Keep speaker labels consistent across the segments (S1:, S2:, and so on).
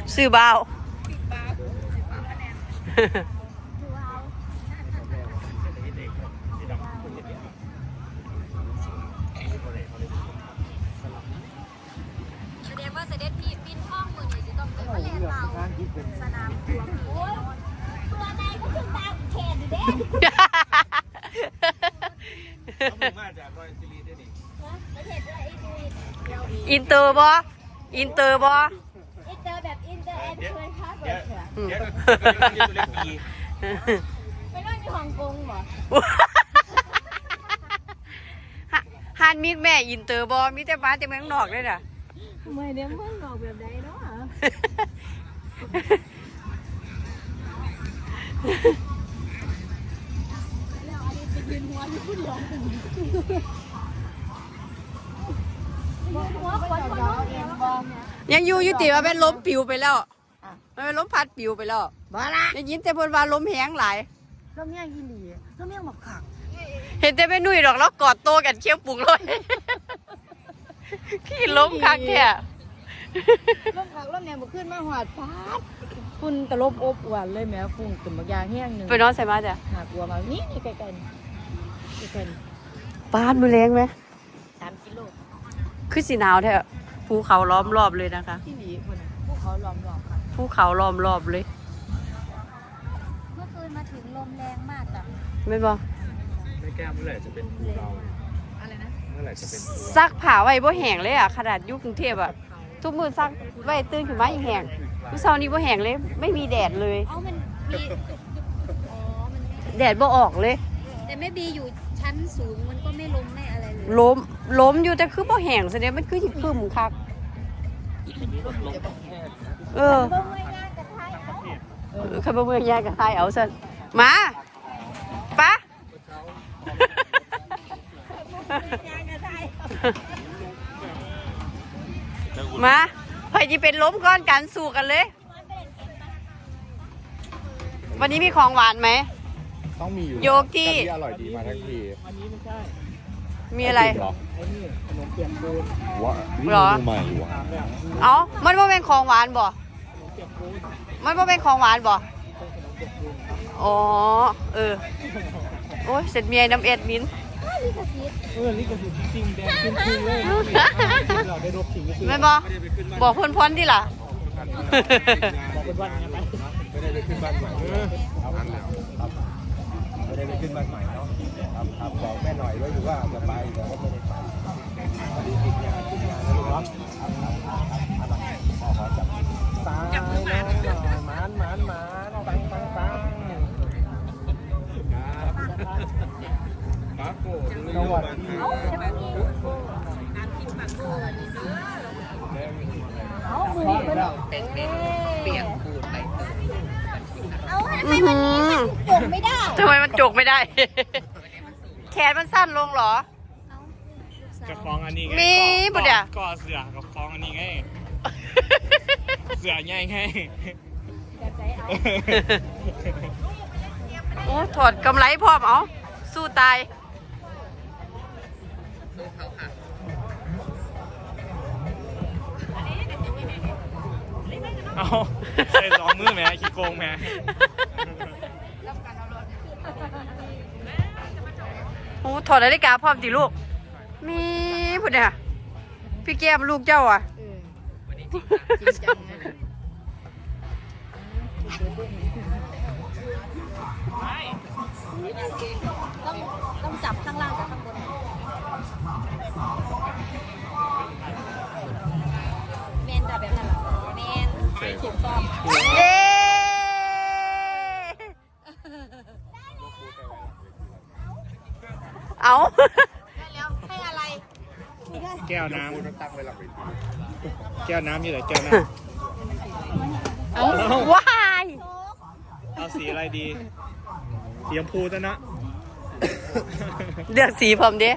S1: ซื้อเบา
S2: แสดงว่าเสด็จพี่ปิ้นห้องมือนี่จะต้องเป็นว่าแลนเบาสนามตัวโอ้ยตัวในก็คือตามแขนอยู่เด้
S3: มาจากรอยซิลีได้นี่
S2: ประเทศอะไรอีก
S1: อินเตอร์บ่อินเตอร์บ่
S2: อินเตอร์แบบอินเตอร์แอนด์ชวนค่าเบิร์ดเถอะ
S3: เดี๋ยวตัวเล็กปี
S2: ไปนอนอยู่ฮ่องกงเหรอ
S1: ฮานมีดแม่อินเตอร์บ่มีแต่บ้านแต่เมืองนอกเลยน่ะ
S2: ไม่เนี่ยเมืองนอกแบบใดเนาะแล้วอันนี้ไปยืนหัวที่ผู้เดียวหัวคนคนน้องเองบ่
S1: ยังอยู่ติว่าเป็นล้มปิวไปแล้วมันเป็นล้มพัดปิวไปแล้ว
S2: บ่ละ
S1: ได้ยินแต่เพิ่นว่าล้มแหงหลาย
S2: ลมยังกินดีลมยังบักขัก
S1: เห็นแต่แม่นุ่ยดอกแล้วกอดโตกันเคี้ยวปุกเลยขี้ล้มคักแท้
S2: ลมขักลมแนวบ่ขึ้นมาหอดพาดฝุ่นตลบอบอวนเลยแม่ฝุ่นตึมบักยางแห้งนึง
S1: ไปนอนใส่มาจ้ะ
S2: หากลัวมานี่ใกล้ๆใกล้
S1: ปานมือแรงไหม
S2: 3 กิโล
S1: คือสีหนาวแท้ภูเขาล้อมรอบเลยนะคะ
S2: ที่หลีคนน่ะภูเขาล้อมรอบค่ะ
S1: ภูเขาล้อมรอบเลย
S2: เมื่อคืนมาถึงลมแรงมากจ้ะ
S1: ไม่บอก
S3: ไม่แก้เมื่อไหร่จะเป็นภูเรา
S2: อะไรนะ
S3: เมื่อไหร่จะเป็นภู
S1: ซักผ้าไว้บ่แห้งเลยอ่ะขนาดอยู่กรุงเทพอ่ะทุกมื้อซักไว้ตื่นขึ้นมาอีกแห้งมื้อเช้านี้บ่แห้งเลยไม่มีแดดเลย
S2: มันมีอ๋อมันไม่
S1: แดดบ่ออกเลย
S2: แต่ไม่บีอยู่ชั้นสูงมันก็ไม่ลมไม่อะไรเลย
S1: ล้มอยู่แต่คือบ่แห้งแสดงมันคือสิครึ้มคักเออคันบ่เมื่อยยากก็ทายเอาซั่นมาปะมาใครจะเป็นล้มก้อนกันสู้กันเลย วันนี้มีของหวานไหม
S3: ต้องมีอยู่
S1: โยกี้
S3: อร่อยดีมาทั้งที
S1: มีอะไร
S3: ขนมเปียกปูน
S1: หรอ
S3: ใหม่วะ
S1: เอ้ามันว่าเป็นของหวานบ่มันว่าเป็นของหวานบ่อ๋อเออโอ้ยเสร็จเมียน้ำเอ็ดมิน
S3: นี่ก็คือจริงแดงจริงเลยเราได้รบจริง
S1: ไม่บอกพ้นที่ล่ะ
S3: บอกเป็นวันยังไงไม่ได้ไปขึ้นบ้านใหม่ไม่ได้ไปขึ้นบ้านใหม่เนาะครับบอกแม่หน่อยว่าอยู่ว่าจะไปแต่ว่าไม่ได้ไปพอดีติดงานนะลูกเนาะขอจับซ้ายนะหมานปังปาโก้สวัสดี
S2: เอามือเปียกปูนไปเอาทำไมวันนี้มันจกไม่ได้
S1: ทำไมมันจกไม่ได้ แขนมันสั้นลงเหรอ
S3: จะคล้องอันนี้ไง
S1: มีบุเดีย
S3: ก่อเสือกับคล้องอันนี้ไงเสือใหญ่ไง
S1: โอ้ถอดกำไรพร้อมเอาสู้ตาย
S3: เอาใส่สองมือแม่ขี้โกงแม่
S1: โอ้ถอดนาฬิกาพร้อมติลูกมีบุเดียพี่แก้มลูกเจ้าอ่ะ
S2: ต้องจับข้างล่างกับข้างบนแมนแบบนั้นหรอแมนถูกต้อง
S1: เย้เอา
S2: ได้แล้วให้อะไร
S3: แก้วน้ำตั้งไว้หลังเวทีแก้วน้ำอยู่ไหนแก้วน้ำ
S1: เอาว้าย
S3: เอาสีอะไรดีสีชมพูจ้ะนะ
S1: เลือกสีผมดิ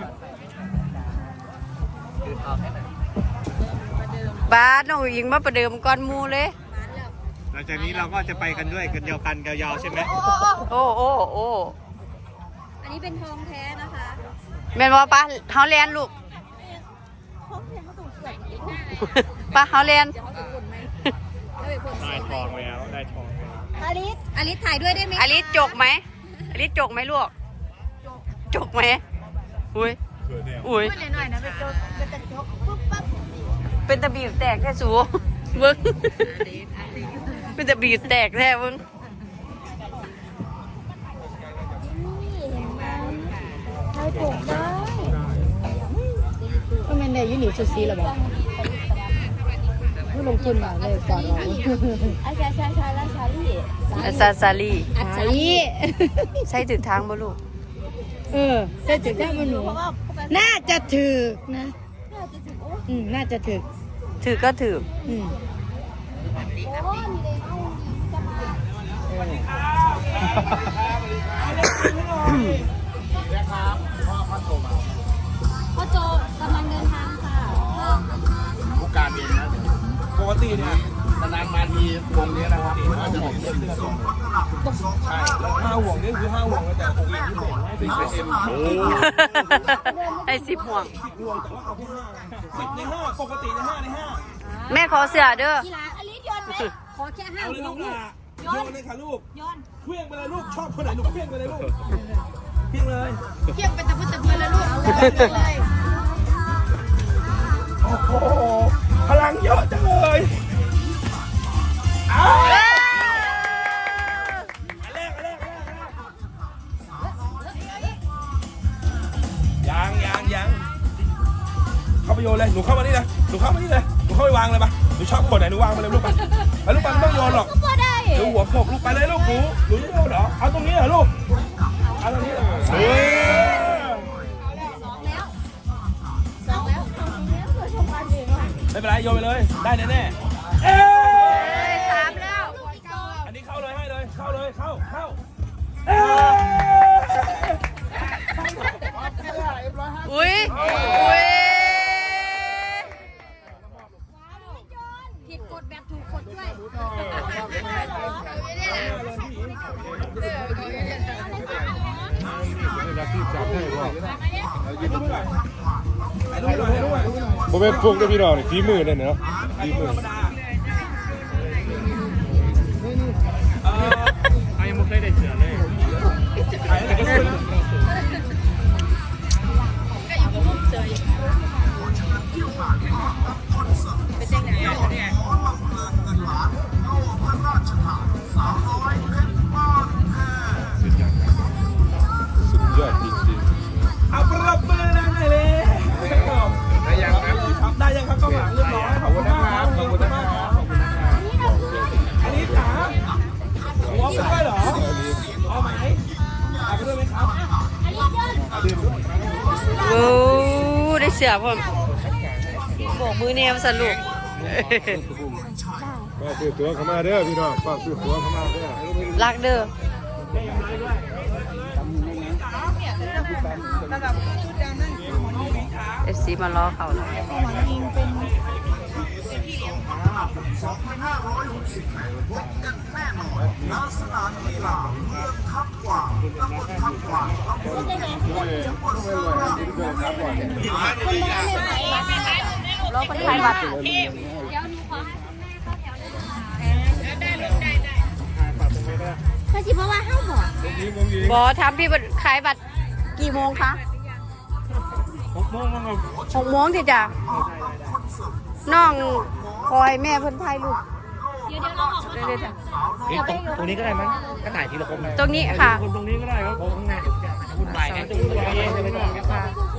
S1: บ้านน้องอิงมาประเดิมก้อนมูเลย
S3: หลังจากนี้เราก็จะไปกันด้วยกันเดียวกันยาวๆใช่ไหม
S1: โอ้
S2: อันนี้เป็นทองแท้นะคะ
S1: แม่นว่าป้าเฮาเรียนลูก
S2: ทองแท้เขาต้องเสือก
S1: ป้าเฮาเรียน
S2: เดี๋ยวเขาจะบ่นไหม
S3: ได้ทองแล้วได้ทองแล้ว
S2: อลิสถ่ายด้วยได้ไหม
S1: อลิสจกไหมอลิสจกไหมลูกจกไหมอุ้ยอุ้ย
S2: หน่อยนะไปโจกเป็นตะจกปุ๊บปั๊บ
S1: เป็นตะบีบแตกแค่สูเบิ้งเป็นตะบีบแตกแท้เบิ้ง
S2: ถ่ายปลูกได้
S4: ก็แม่นได้ยูนิชุดซีแล้วบ่ผู้ลงทุนมาเลยก่อนเรา
S2: อาชาแล้วชาลี่
S1: ซาลี
S4: อัดซี
S1: ใช้ถึงทางบ่ลูก
S4: ได้ถึงได้มันหนูน่าจะถึกนะ
S2: น่าจะถึงโอ้
S4: น่าจะถึก
S1: ถือก็ถือ
S2: โหนี่เลยเอาจะมาพ่อโจกำลังเดินทางค่ะ
S3: ผู้การเองนะปกติเนี่ยนานๆมาทีวงนี้นะครับก็จะเป็นเรื่องส่งใช่ห้าห่วงนี่คือห้าห่วงแต่6เอ็มที่ผมให้เป็นเอ็มโอ้
S1: ไอ้10 ห่วง
S3: ห่วงแต่ว่าเอาแค่5 10ใน5ปกติใน5ใน
S1: แม่ขอเสื้อเด้อ
S2: กีฬาอลิสโยนไหมขอแค่
S3: 5
S2: ห้า
S3: เอาเลย
S2: หั
S3: ลู
S2: ว
S3: ก
S2: ลูก
S3: โยนเลยค่ะลูก
S2: โยน
S3: เคลื่องไปเลยลูกชอบคนไหนลูกเคลื่องไปเลยลูกเคลื่องเลย
S4: เกี่ยงเป็นตะพื้นตะพื้นแล้วลูกเลย
S3: โอ้โหพลังเยอะจังเลยเอาอันแรกยังเข้าไปโยนเลยหนูเข้ามานี่เลยหนูเข้าไปวางเลยปะหนูชอบคนไหนหนูวางมาเลยลูกปะแล้วลูกปะไม่ต้องโยนหรอก
S2: ก็ได้
S3: หนูหัวโขกลูกไปเลยลูกหนูจะโยนเหรอเอาตรงนี้เหรอลูกเอาตรงนี้เหรอ
S2: สองแล้วเกิดชมกันเองว่ะ
S3: ไม่เป็นไรโยนไปเลยได้แน่ๆเอ้ย
S1: 3แล้ว
S3: อันนี้เข้าเลยให้เลยเข้าเอ้ย
S1: อุ้ย
S2: ผิดกฎแบบถูกกฎด้วย
S5: ผมเป็นพวกได้พี่น้องนี่ฝีมือเนี่ยเนาะฝีมือ
S3: ยังไม่เคยได้เสือเลย
S5: สุดยอดจริง
S3: เอาปรับมือดังเลยได้ยังครับได้ยังครับกล้องหลังเรียบร้อยขอบคุณนะครับขอบคุณนะครับอันนี้จ๋าหัวไปด้วยเหรอเอาไหมเอาไปด้วยไหมครับ
S1: โอ้ได้เสื้อพร้อมโบกมือแนวสนุก
S5: ๆก็ซื้อตัวเข้ามาเด้อพี่น้องก็ซื้อตัวเข้ามาเด้อ
S1: รักเด้อFC มารอเขาแล้ว รอคนไทยบัตร
S2: ถ้าสิเพราะว่าห้าหัว
S1: บอทำพี่บัตรขายบัตรกี่โมงคะ
S3: 6 โมงครับ
S1: 6 โมงสิจ้ะน้องคอยแม่เพิ่นถ่ายรูป
S2: เดี๋ยวเราออกมา
S1: เรื่อยๆจ้ะ
S3: ตรงนี้ก็ได้มั้งก็ถ่ายทีละคน
S1: ตรงนี้ค่ะ
S3: คนตรงนี้ก็ได้ครับ